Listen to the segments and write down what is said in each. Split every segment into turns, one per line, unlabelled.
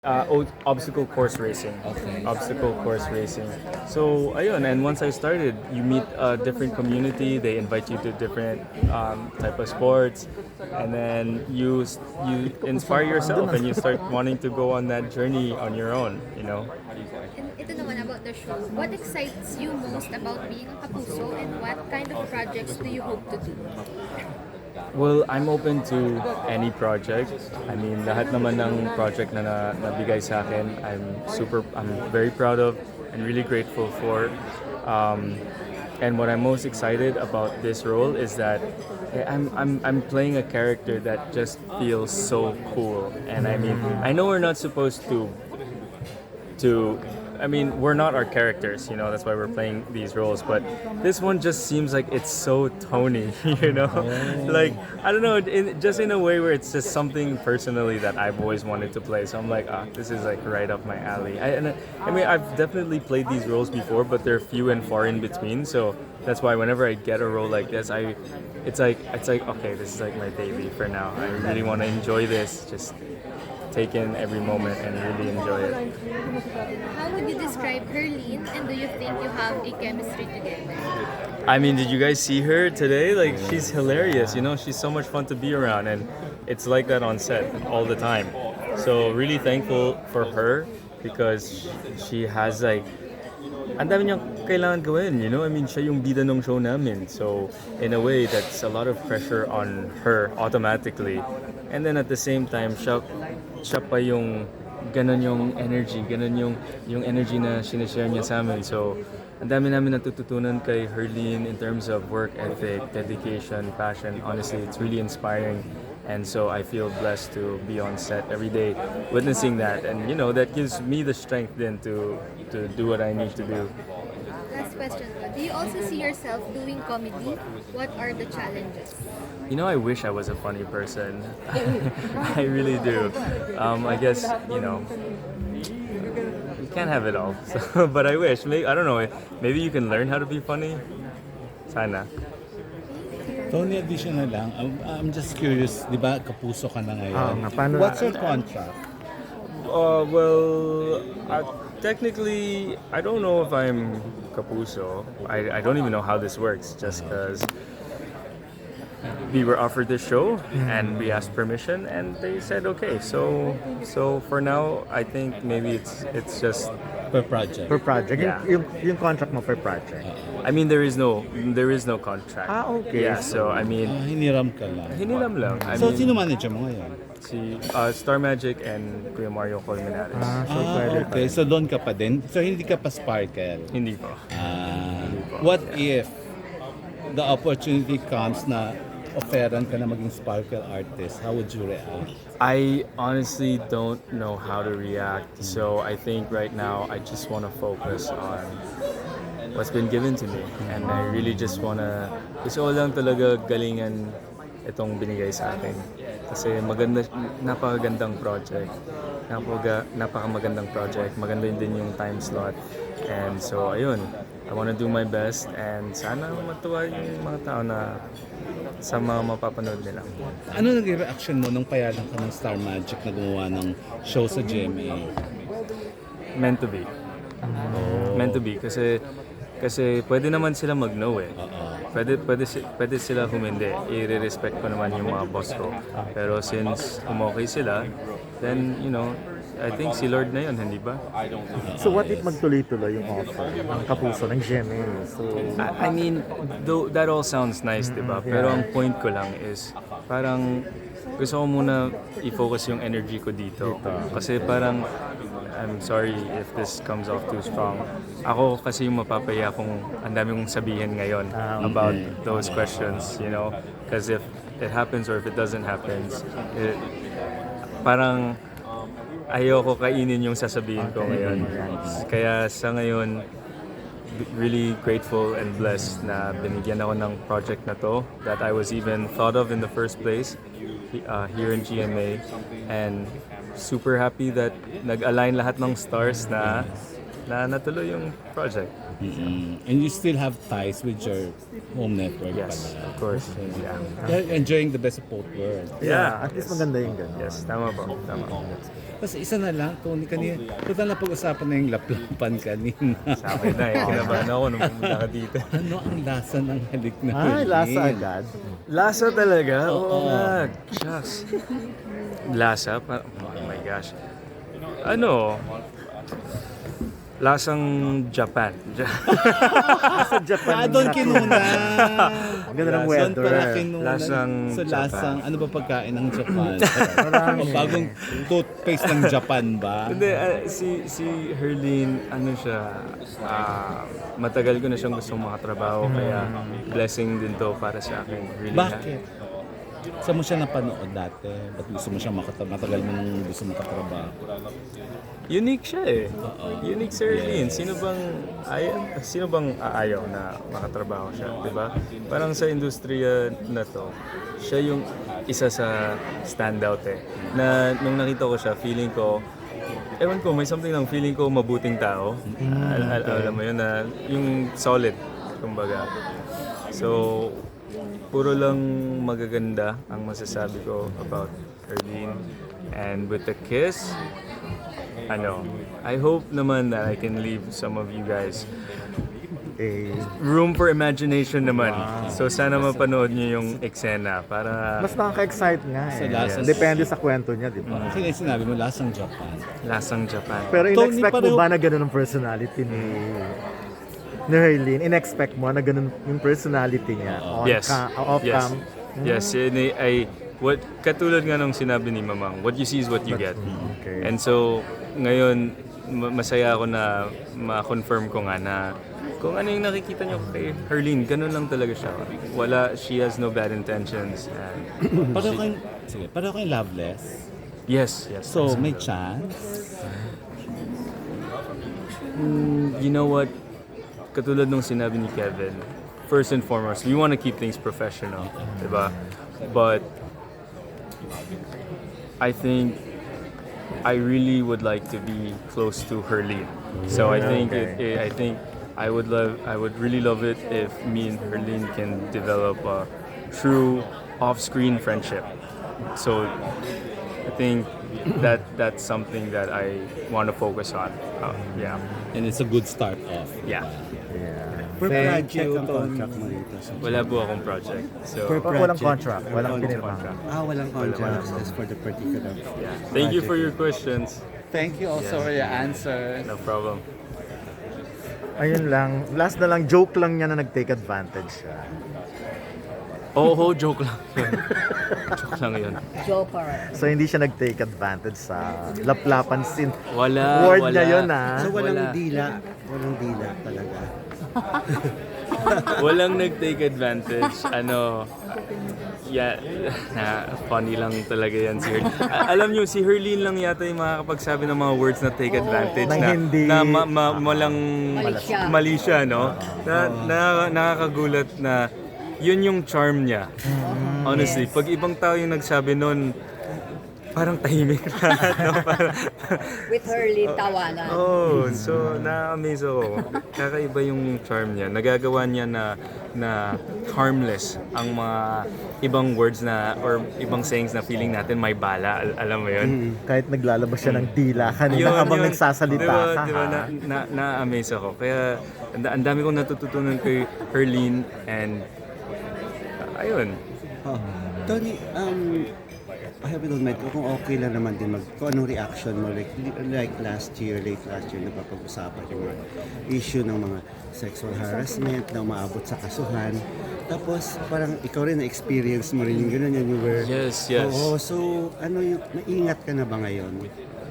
Obstacle course racing.
Okay.
Obstacle course racing. So, ayun, and once I started, you meet a different community. They invite you to different type of sports, and then you inspire yourself, and you start wanting to go on that journey on your own. You know.
And ito naman about the show, what excites you most about being a kapuso and what kind of projects do you hope to do?
Well, I'm open to any project. I mean, lahat naman ng project na nabigay sa akin, I'm very proud of and really grateful for. And what I'm most excited about this role is that I'm playing a character that just feels so cool. And I mean, I know we're not supposed to I mean, we're not our characters, you know, that's why we're playing these roles, but this one just seems like it's so Tony, you know? Like, I don't know, just in a way where it's just something personally that I've always wanted to play. So I'm like, this is like right up my alley. I mean, I've definitely played these roles before, but they're few and far in between. So that's why whenever I get a role like this, it's like, okay, this is like my baby for now. I really want to enjoy this, just take in every moment and really enjoy it.
How would you describe Herlene and do you think you have a chemistry together?
I mean, did you guys see her today? Like, she's hilarious, you know, she's so much fun to be around, and it's like that on set all the time. So, really thankful for her because she has like, ang dami niyang kailangan gawin, you know? I mean, siya yung bida ng show namin. So, in a way, that's a lot of pressure on her automatically. And then at the same time, siya pa yung ganun yung energy, ganun yung energy na sinishare niya sa amin. So, ang dami namin natututunan kay Herlene in terms of work ethic, dedication, passion. Honestly, it's really inspiring. And so I feel blessed to be on set every day witnessing that. And, you know, that gives me the strength then to do what I need to do.
Last question, do you also see yourself doing comedy? What are the challenges?
You know, I wish I was a funny person. I really do. I guess, you know, you can't have it all. So, but I wish. Maybe, I don't know. Maybe you can learn how to be funny. Sana.
Tony, additional lang. I'm just curious, di ba kapuso ka na ngayon? What's your contract?
Well, technically, I don't know if I'm Kapuso. I don't even know how this works, just because we were offered this show and we asked permission and they said okay. So for now, I think maybe it's just
Per project?
Per project?
Yeah.
Yung contract mo per project?
I mean there is no contract.
Okay.
Yeah, so I mean
Hiniram ka lang.
hiniram lang. I
So,
mean,
sino manager mo ngayon?
si Star Magic and Kuya Mario Colmenares.
So pwede pa
Okay.
rin.
So, doon ka pa din? So, hindi ka pa Sparkle?
Hindi po.
What if the opportunity comes na offeran ka na maging Sparkle artist? How would you react?
I honestly don't know how to react. So I think right now I just want to focus on what's been given to me. And I really just want to, gusto ko lang talaga galingan itong binigay sa akin. Kasi napakagandang project. Napakamagandang project. Maganda din yung time slot. And so ayun, I want to do my best and sana matuwa yung mga tao na sa mga mapapanood nila.
Ano naging reaction mo nung payagan ka ng Star Magic na gumawa ng show sa GMA?
Meant to be. Meant to be kasi pwede naman sila mag-no eh. Pwede sila humindi. I-respect ko naman yung mga boss ko. Pero since umokay sila, then you know, I think si Lord na yun, hindi ba?
So what if magtuloy-tuloy yung offer ng kapuso ng GMA? So,
I mean, though that all sounds nice, di ba? Pero ang point ko lang is, parang gusto ko muna i-focus yung energy ko dito. Kasi parang, I'm sorry if this comes off too strong. Ako kasi yung mapapaya kung ang dami kong sabihin ngayon about those questions, you know? Because if it happens or if it doesn't happen, parang ayoko kainin yung sasabihin ko ngayon. Kaya sa ngayon, really grateful and blessed na binigyan ako ng project na to that I was even thought of in the first place here in GMA, and super happy that nag-align lahat ng stars na na natuloy yung project.
And you still have ties with your home network
Yes,
pala.
of course. Yeah.
You're enjoying the best of both worlds.
Yeah.
At least maganda yung ganun.
Yes, tama po. Tama.
Tapos isa na lang, Tony, kanina, total na pag-usapan na yung laplapan kanina.
Sa akin na eh. Kinabahan ako nung pumunta ka dito.
Ano ang lasa ng halik na
Ay,
halik?
lasa agad.
Lasa talaga? Oo nga. Shucks. Lasa? Oh my gosh. Ano? Lasang Japan.
Sa Japan.
Doon kinunan.
Ang ganda ng
Doon
weather.
pala kinunan.
Lasang
So lasang, ano ba pagkain ng Japan?
Marami.
Bagong toothpaste ng Japan ba?
Hindi, si Herlene, ano siya, matagal ko na siyang gustong makatrabaho, kaya blessing din to para sa akin. Really.
Bakit? Saan mo siya napanood dati? Ba't gusto mo siya matagal mo nung gusto mo katrabaho?
Unique siya eh. Unique si Herlene. Sino bang aayaw na makatrabaho siya, di ba? Parang sa industriya na to, siya yung isa sa standout eh. Na nung nakita ko siya, feeling ko, ewan ko, may something ng feeling ko mabuting tao. Alam mo yun na, yung solid, kumbaga. So, puro lang magaganda ang masasabi ko about Herlene. And with the kiss, I hope naman that I can leave some of you guys
Eh,
room for imagination naman. So sana mapanood niyo yung eksena para
mas nakaka-excite nga eh.
Sa lasa-
Depende sa kwento niya, di ba?
Kasi sinabi mo, lasang Japan.
lasang Japan.
Pero
Tony,
in-expect mo
pareho-
ba na ganun ang personality ni Herlene? In-expect mo na ganun yung personality niya?
Yes. Yes.
Off-cam?
Yes. Katulad nga nung sinabi ni Mamang, what you see is what you get.
Okay.
And so, ngayon, masaya ako na ma-confirm ko nga na kung ano yung nakikita niyo kay Herlene, ganun lang talaga siya. She has no bad intentions. And
Pareho kayong loveless.
yes.
So, may chance.
You know what? Katulad nung sinabi ni Kevin, first and foremost, we want to keep things professional, diba? But I think I really would like to be close to Herlene. So I think I would really love it if me and Herlene can develop a true off-screen friendship. So I think that's something that I want to focus on. Yeah.
And it's a good start off.
Yeah.
Per
Thank
project ang contract mo rito.
Wala po akong project. So,
Walang contract, walang pinirma.
Walang contract. Just for the particular.
thank you for your questions.
Thank you also for your answer.
No problem.
Ayun lang. Last na lang, joke lang niya na nag-take advantage siya.
Joke lang yun. Joke lang yun.
So hindi siya nag-take advantage sa laplapan scene.
Wala.
Word niya yun
So
Wala.
walang dila. Walang dila talaga.
Walang nag-take advantage. Funny lang talaga yan si Herlene. Alam nyo, si Herlene lang yata yung makakapagsabi ng mga words na take advantage
Nang hindi-
na malang mali siya, no? Nakakagulat na yun yung charm niya. Honestly, pag ibang tao yung nagsabi nun, parang tahimik lahat, no?
With Herlene tawanan.
So na-amaze ako. Kakaiba yung charm niya. Nagagawa niya na harmless ang mga ibang words na or ibang sayings na feeling natin may bala. Alam mo yun?
Kahit naglalabas siya ng dila kanina habang nagsasalita ka.
Diba,
ha?
na-amaze ako. Kaya ang dami kong natututunan kay Herlene and ayun.
Tony, I have it on mind kung okay lang naman din kung anong reaction mo like late last year napapag-usapan yung mga issue ng mga sexual harassment na umaabot sa kasuhan. Tapos parang ikaw rin na-experience mo rin yung gano'n yan, you were...
Yes.
Oo, so ano yung, naingat ka na ba ngayon?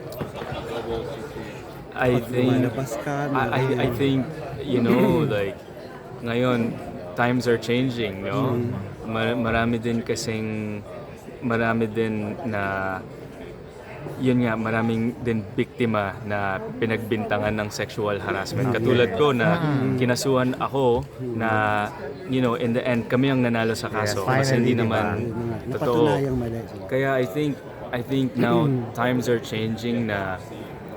I
Pag
think
lumalabas ka,
I think like ngayon times are changing, no? Marami din na yun nga, maraming din biktima na pinagbintangan ng sexual harassment. Katulad ko na kinasuhan ako na, in the end, kami ang nanalo sa kaso.
Yes,
Kasi hindi
finally,
naman totoo.
napatunayang mali.
Kaya I think now times are changing na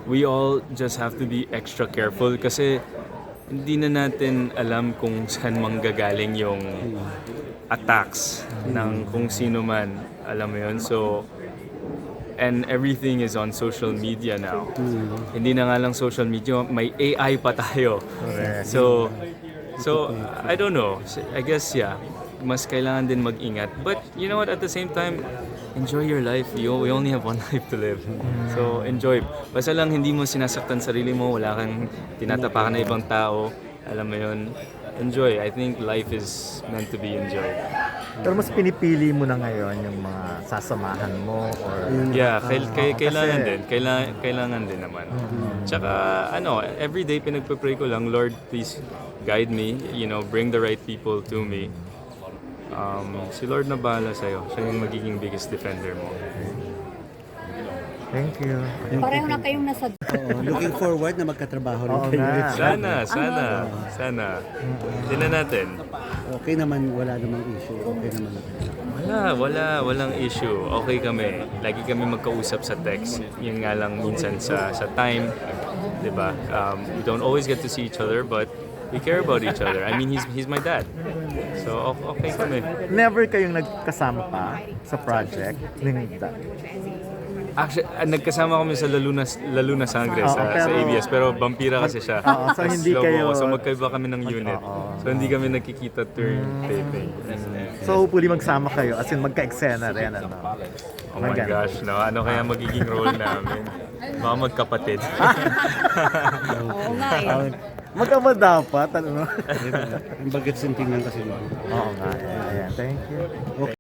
we all just have to be extra careful kasi hindi na natin alam kung saan manggagaling yung attacks ng kung sino man. Alam mo yun? So, and everything is on social media now. Hindi na nga lang social media, may AI pa tayo. So I don't know. I guess, yeah, mas kailangan din mag-ingat. But you know what, at the same time, enjoy your life. We only have one life to live. So enjoy. Basta lang hindi mo sinasaktan sarili mo, wala kang tinatapakan na ibang tao. Alam mo yun, enjoy. I think life is meant to be enjoyed.
Pero mas pinipili mo na ngayon yung mga sasamahan mo or
Yeah, kailangan
kasi-
din. Kailangan din naman. Tsaka, everyday pinagpe-pray ko lang, Lord, please guide me. You know, bring the right people to me. Si Lord na bahala sa'yo. Siya yung magiging biggest defender mo.
Thank you.
Pareho na kayong nasa
Oo, looking forward na magkatrabaho rin
Oo
kayo.
nga.
Sana. Tingnan natin.
Okay naman, wala namang issue. Okay naman.
Walang issue. Okay kami. Lagi kami magkausap sa text. Yun nga lang minsan sa time, 'di ba? We don't always get to see each other, but we care about each other. I mean, he's my dad. So okay kami.
Never kayong nagkasama pa sa project ng
Actually, nagkasama kami sa Lalo na Sangre sa ABS, pero vampira kasi siya.
so hindi
Slow
kayo-
mo. So magkaiba kami ng unit. So hindi kami nakikita during taping.
So hopefully magsama kayo as in magka-eksena rin ano.
Oh my gosh, no. Ano kaya magiging role namin? Mga magkapatid.
Oo nga eh.
Magkama dapat ano.
Ang bagets yung tingnan kasi mo.
Oo nga. Ayan. Thank you.